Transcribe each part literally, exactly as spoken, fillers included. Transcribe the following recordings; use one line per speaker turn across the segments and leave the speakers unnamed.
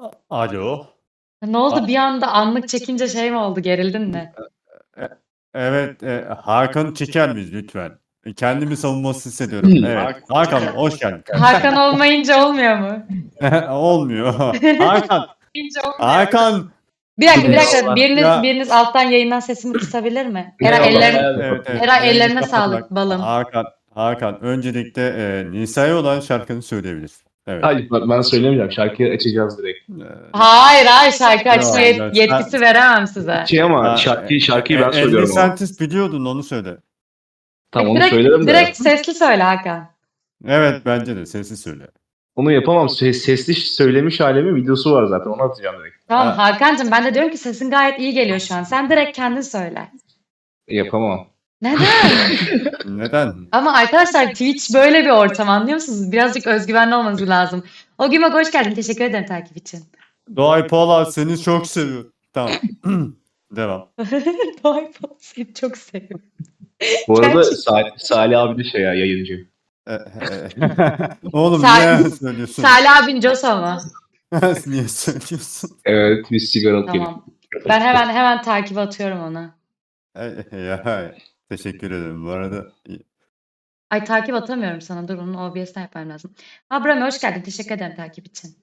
A alo.
Ne oldu?
A
Bir anda anlık çekince şey mi oldu? Gerildin mi?
E e evet, eee, Hakan'ı çeker miyiz lütfen? E, kendimi savunmasız hissediyorum. Evet, Hakan hoş geldin
Hakan
kardeşim.
olmayınca olmuyor mu?
Olmuyor. Hakan,
Olmayınca olmuyor mu?
Hakan.
Bir dakika, bir dakika.
Eyvallah.
Biriniz
Ya
biriniz alttan yayından sesimi kısabilir mi? Eray
Eyvallah
ellerin
abi.
Evet, evet.
Eray
Yayını
ellerine
kapatmak.
sağlık balım.
Hakan, Hakan öncelikle, eee, Nisa'ya olan şarkını söyleyebilirsin. Evet.
Hayır, ben ben söylemeyeceğim. Şarkıyı açacağız direkt.
Eee
Hayır, hayır şarkı
Yo,
açma yet
ya
yetkisi
sen
veremem size.
Şey ama
A
şarkıyı şarkıyı
e
ben
e
söylüyorum
elli
ama.
Centis biliyordun, onu söyle.
Tamam
E,
onu
direkt
söylerim de.
direkt sesli söyle Hakan.
Evet, bence de sesli söyle.
Onu yapamam. Ses sesli söylemiş hâlimin videosu var zaten. Onu atacağım direkt.
Tamam
Ha.
Hakan'cığım ben de diyorum ki sesin gayet iyi geliyor şu an. Sen direkt kendin söyle.
Yapamam.
Neden?
Neden?
Ama arkadaşlar Twitch böyle bir ortam anlıyor musunuz? Birazcık özgüvenli olmanız lazım. Ogümak hoş geldin. Teşekkür ederim takip için.
Doğay Polat seni çok seviyor. Tamam. Devam.
Doğay Polat seni çok seviyorum.
Bu arada
Gerçekten.
Salih, Salih abi de şey ya yayıncı.
E e Oğlum
Sa
niye söylüyorsun?
Salih abin Josa mı?
Niye söylüyorsun?
Evet biz sigara alıp
Tamam. Ben hemen hemen takip atıyorum ona.
E ya, teşekkür ederim. Bu arada
Ay takip atamıyorum sana. Dur onu O B S'ten yapmam lazım. Abraham hoş geldin. Teşekkür ederim takip için.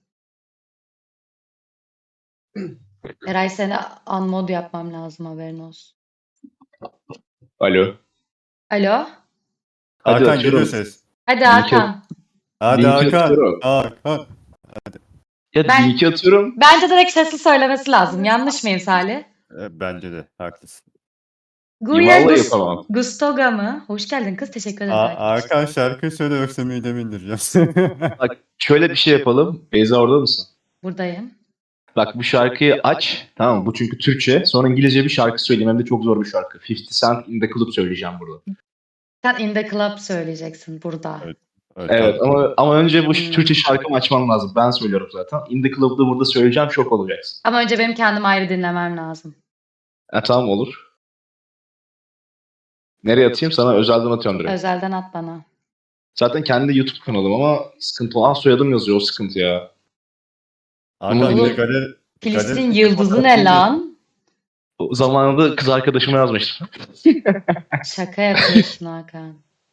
Eray seni unmod yapmam lazım haberin olsun.
Alo.
Alo.
Hadi
Hakan geliyor
atıyorum.
ses.
Hadi
Linki,
Hakan.
Hadi
linki
Hakan.
atıyorum.
Hakan.
Ya
Ben-
linki atıyorum.
Bence direkt sesli söylemesi lazım. Yanlış mıyım Salih?
E, bence de haklısın.
Guya
Vallahi
Gus
yapamam.
Gustoga mı? Hoş geldin kız. Teşekkür ederim.
A
takip için.
Hakan şarkı söyle yoksa midemi indireceğim.
Bak şöyle bir şey yapalım. Beyza orada mısın?
Buradayım.
Bak bu şarkıyı aç. Tamam mı? Bu çünkü Türkçe. Sonra İngilizce bir şarkı söyleyeyim. Hem de çok zor bir şarkı. fifty Cent in the Club söyleyeceğim burada.
Sen In The Club söyleyeceksin burada.
Evet.
Evet
tamam.
ama ama önce bu
Hmm.
Türkçe şarkımı açmam lazım. Ben söylüyorum zaten. In the Club'da burada söyleyeceğim. Şok olacaksın.
Ama önce benim kendim ayrı dinlemem lazım.
Ha, tamam olur. Nereye atayım? Sana özelden atıyorum direkt.
Özelden at bana.
Zaten kendi YouTube kanalım ama sıkıntı olan soyadım yazıyor. O sıkıntı ya.
Hakan
Oğlum,
bir de galeri
Filistin
galeri
yıldızı ne lan?
O zamanında kız arkadaşıma yazmıştım.
Şaka yapıyorsun Hakan.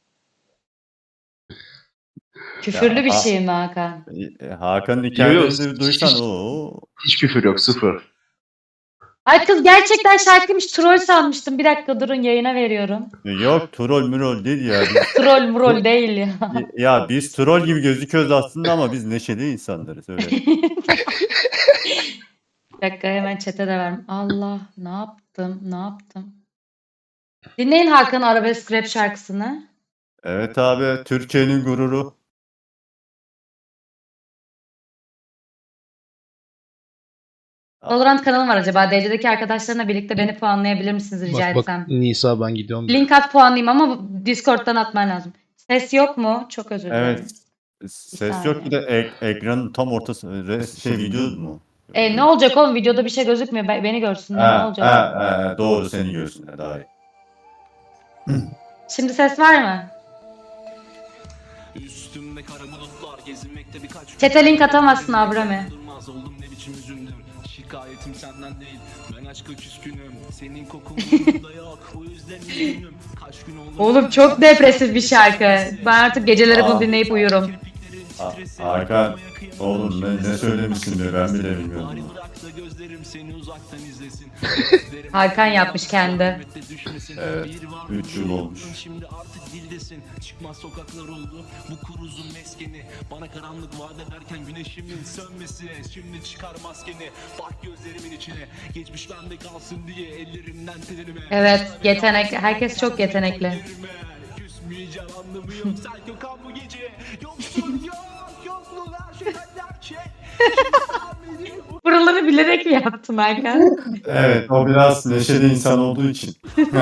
Küfürlü
Ya,
bir
ha-
şey mi Hakan?
E, Hakan'ın
Yok,
hikayelerini
yok.
duysan o.
Hiç küfür yok. Sıfır.
Ay kız gerçekten şarkıymış. Troll sanmıştım. Bir dakika durun yayına veriyorum.
Yok troll mürol değil ya. Biz,
Troll murol değil ya.
ya biz troll gibi gözüküyoruz aslında ama biz neşeli insanlarız öyle.
Bir dakika hemen chat'e de ver. Allah ne yaptım ne yaptım. Dinleyin Hakan'ın arabesk rap şarkısını.
Evet abi Türkiye'nin gururu.
Valorant kanalım var acaba. D C'deki arkadaşlarına birlikte beni puanlayabilir misiniz rica
Bak bak
etsem?
Nisa ben gidiyorum.
Link at puanlayayım ama Discord'dan atman lazım. Ses yok mu? Çok özür dilerim.
Evet. Ses yok bir de ek- ekranın tam ortası res- şey video mu?
E ne olacak oğlum? Videoda bir şey gözükmüyor. Be- Beni görsünler. Ne
Ha,
olacak?
ha, ha, doğru seni görsünler daha iyi.
Şimdi ses var mı?
Üstümde kara bulutlar gezinmekte birkaç
Chat'e link atamazsın Abrami.
Durmaz oldum ne biçim üzüldüm. Şikayetim senden değil. Ben aşka küskünüm. Senin kokun burnumda yok. O yüzden üzgünüm. Kaç gün oldu.
Oğlum çok depresif bir şarkı. Ben artık geceleri bunu
Aa.
dinleyip uyurum.
Ha- Hakan oğlum ne, ne söylemişsin ben bile bilmiyorum.
Bari bırak da gözlerim seni uzaktan izlesin.
Hakan yapmış kendi.
Evet, üç yıl olmuş.
Şimdi artık dildesin. Çıkmaz sokaklar oldu. Bu kuruzun meskeni. Bana karanlık vaat ederken güneşimin sönmesi. Şimdi çıkar maskeni. Bak gözlerimin içine. Geçmiş bende kalsın diye ellerimden tenime.
Evet, yetenek. Herkes çok yetenekli.
Küsmeyeceğim anlamı yok. Sen Gökhan bu gece. Yoksun yok. Yokluğun her şeyden gerçek.
Buraları bilerek mi yaptın Hakan?
Evet o biraz neşeli insan olduğu için.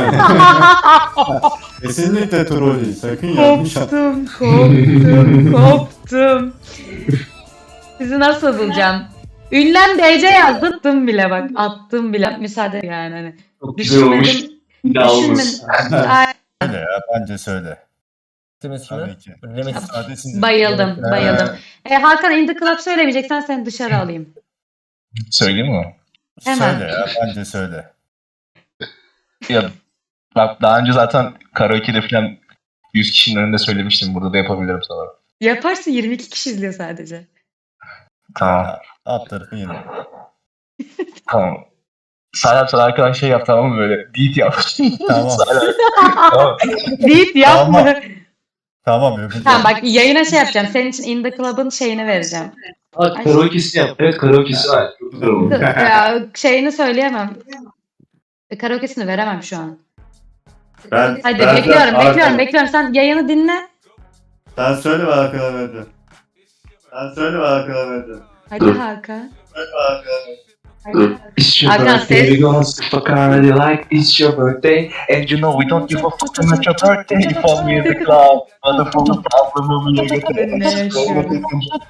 Kesinlikle troll değil sakın yanlış an-
Koptum, koptum, koptum. Sizi nasıl bulacağım? Ünlem D C yazdırttım bile bak. Attım bile. Müsaade yani hani.
Çok güzel olmuş.
Düşünmedim.
Bir daha olmasın.
Düşünmedim. Ay,
Söyle ya bence söyle.
Temiz
Tabii
kimi?
ki.
Ünlemesin.
Hadi siz-
bayıldım,
Ee,
bayıldım. E, Hakan In The Club söylemeyeceksen seni dışarı alayım.
Söyleyeyim mi?
Hemen.
Söyle ya, bence söyle.
Ya bak daha önce zaten karaoke'de falan yüz kişinin önünde söylemiştim. Burada da yapabilirim sana.
Yaparsın, yirmi iki kişi izliyor sadece.
Tamam.
Alt tarafı yine.
Tamam. Salih sana arkadan şey yap tamam mı böyle? Beat yap.
Tamam.
Salih, tamam.
Deyip yapma.
Tamam. Tamam yapacağım.
Tamam bak, yayına şey yapacağım. Senin için In The Club'ın şeyini vereceğim.
Bak karaoke'si yap. Evet karaoke'si var. Çok güzel oldu.
Ya, şeyini söyleyemem. E, Karaoke'sini veremem şu an.
Ben,
Hadi
ben-
bekliyorum,
ben-
bekliyorum, bekliyorum. Sen yayını dinle.
Sen söyle ve arkadan vereceğim. Sen söyle ve arkadan vereceğim.
Hadi
Dur.
Hakan.
Söyle ve arkadan vereceğim.
It's your
Hakan,
birthday,
ses-
we gonna fuck around you like it's your birthday. And you know we don't give a fuck about your birthday. For me the club, wonderful problem
Ne yaşıyorum?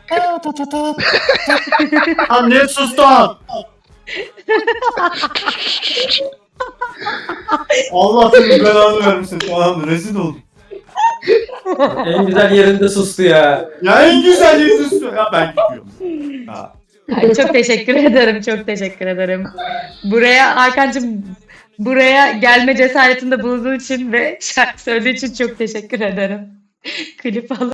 Lan niye sustun? Allah senin belanı vermesin falan, rezil oldum.
En güzel yerinde sustu ya.
Ya en güzel yeri sustu. Ya ben gidiyorum. Ha.
Ay, çok teşekkür ederim, çok teşekkür ederim. Buraya Hakan'cığım, buraya gelme cesaretinde bulunduğun için ve şarkı söylediğin için çok teşekkür ederim. Klip al.